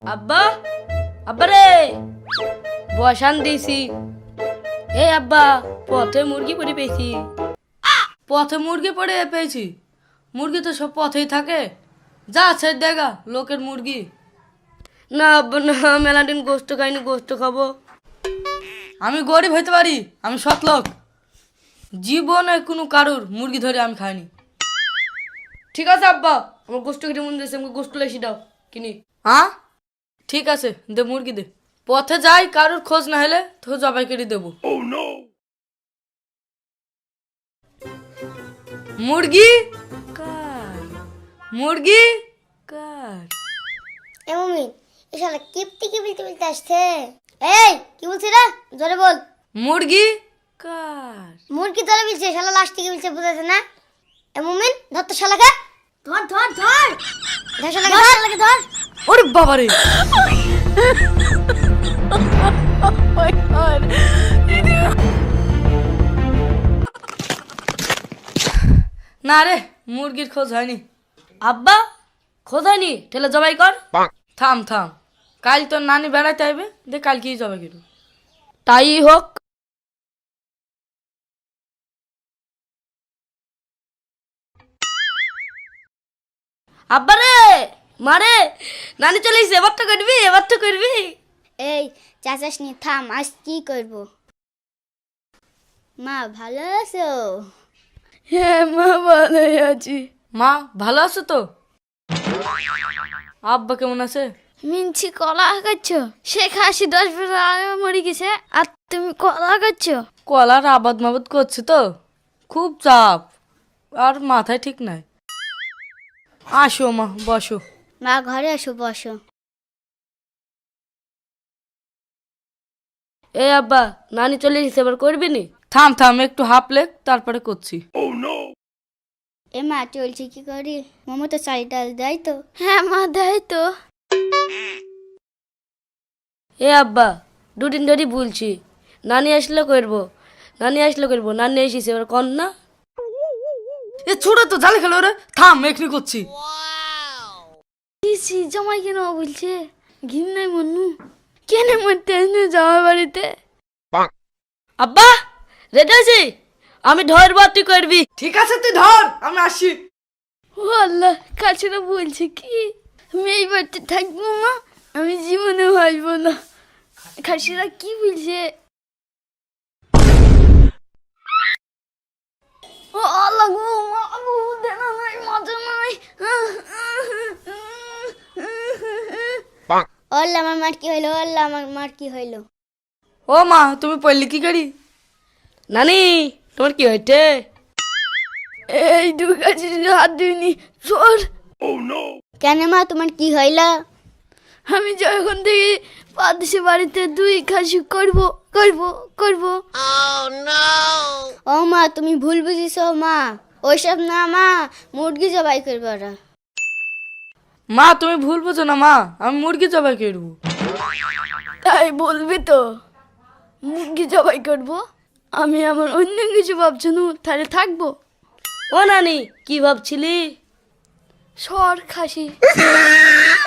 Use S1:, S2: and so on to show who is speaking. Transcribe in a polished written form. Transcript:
S1: আব্বা, আব্বা রে বসান দিছি। এই আব্বা, পথে মুরগি পড়ে পেয়েছি। পথে মুরগি পড়ে পেয়েছি? মুরগি তো সব পথেই থাকে। যা আছে দেখা লোকের মুরগি। না আব্বা না, মেলাদিন গোস্ত খাইনি, গোস্ত খাবো। আমি গরিব হইতে পারি, আমি সৎ লোক। জীবনে কোনো কারুর মুরগি ধরে আমি খাইনি। ঠিক আছে আব্বা, আমার গোস্ত কেটে মন দিয়েছে, আমাকে গোস্ত লেসি দাও কিনি। হ্যাঁ ঠিক আছে, দে মুরগি দে। পথে যাই, কারুর খোঁজ না হলে তো জবাই কেটে দেবো। মুরগি কার, মুরগি কার?
S2: এ মমিন, এ শালা কিপটি কি বলতে বলতে আসছে? এই কি বলছিস রে? জোরে বল।
S1: মুরগি কার?
S2: মুরগি ধরে বলছে, শালা লাশ থেকে বলছে, বুঝাচ্ছে না? এ মমিন, ধর তো শালাকে। ধর ধর ধর ধর শালাকে, ধর শালাকে ধর।
S1: ওরে বাবা রে! না রে, মুরগির খোঁজ হয়নি। আব্বা, খোঁজ হয়নি? ঠেলে জবাই কর। থাম থাম, কাল তোর নানি বেড়াইতে আইবে, দে কালকেই জবাই করব। তাই হোক। আব্বা রে, মারে, নানি চলে এসে, এবার তো করবি, এবার তো করবি।
S2: এই চাচাস নি, থাম, আজ কি করব? মা ভালো আছো?
S1: হ্যাঁ মা, ভালোই আছি। মা ভালো আছো তো? আব্বা কেমন আছে?
S3: মিনছি কলা খাচ্ছ? সে খাসি 10 বছর আগে মরে গেছে, আর তুমি কলা খাচ্ছ?
S1: কলার আবাদ মাবাদ করছে তো, খুব চাপ, আর মাথায় ঠিক নাই। আসো মা, বসো।
S2: মা ঘরে আসো, বসো।
S1: এ আব্বা, নানি চলে এসেছে, এবার করবি নি? থাম থাম, একটু হাফ লেগ, তারপরে করছি।
S2: এ মা চলছে কি করি? মোমো তো চাল ডাল দেয় তো?
S3: হ্যাঁ মা, দেয় তো।
S1: এ আব্বা, দুদিন ধরে বলছি নানি আসলে করবো, নানি আসলে করবো, নানি এসেছে, এবার কর না। এ ছোড়ো তো, জালে খেলো রে। থাম, এখনি করছি।
S3: দিছি জামাই কেন বলছে? ঘিন নাই মনু, কেন মরতে আসলে জামাই বাড়িতে?
S1: আব্বা রেডি আছি, আমি ধরবো, তুই করবি। ঠিক আছে, তুই ধর, আমি আসি।
S3: ও আল্লাহ, কাছেরা বলছে কি আমি এই বাড়িতে থাকবো মা, আমি জীবনে ভাসবো না। খাসিরা কি বলছে? ও আল্লাহ গো, মা গো, দেনা নাই, মাজা নাই।
S2: ওল্লা আমার মার কি হইলো? ওল্লা আমার মার কি হইলো?
S1: ও মা, তুমি পড়লি কি করি? নানি তোমার কি হয়েছে?
S3: এই দু কাছে হাত দিইনি, সর।
S2: কেন মা, তোমার কি হইলো?
S3: আমি যখন থেকে পাদেশে বাড়িতে 2 খাসি করবো করবো করবো।
S2: ও মা, তুমি ভুল বুঝিছো মা, ওইসব না মা, মুরগি জবাই করবে ওরা।
S1: মা তুমি ভুল বোঝো না মা, আমি মুরগি জবাই করবো।
S3: তাই বলবি তো, মুরগি জবাই করবো? আমি আমার অন্য কিছু ভাবছি না, তাহলে থাকবো।
S1: ও নানি, কি ভাবছিলি?
S3: সর খাসি।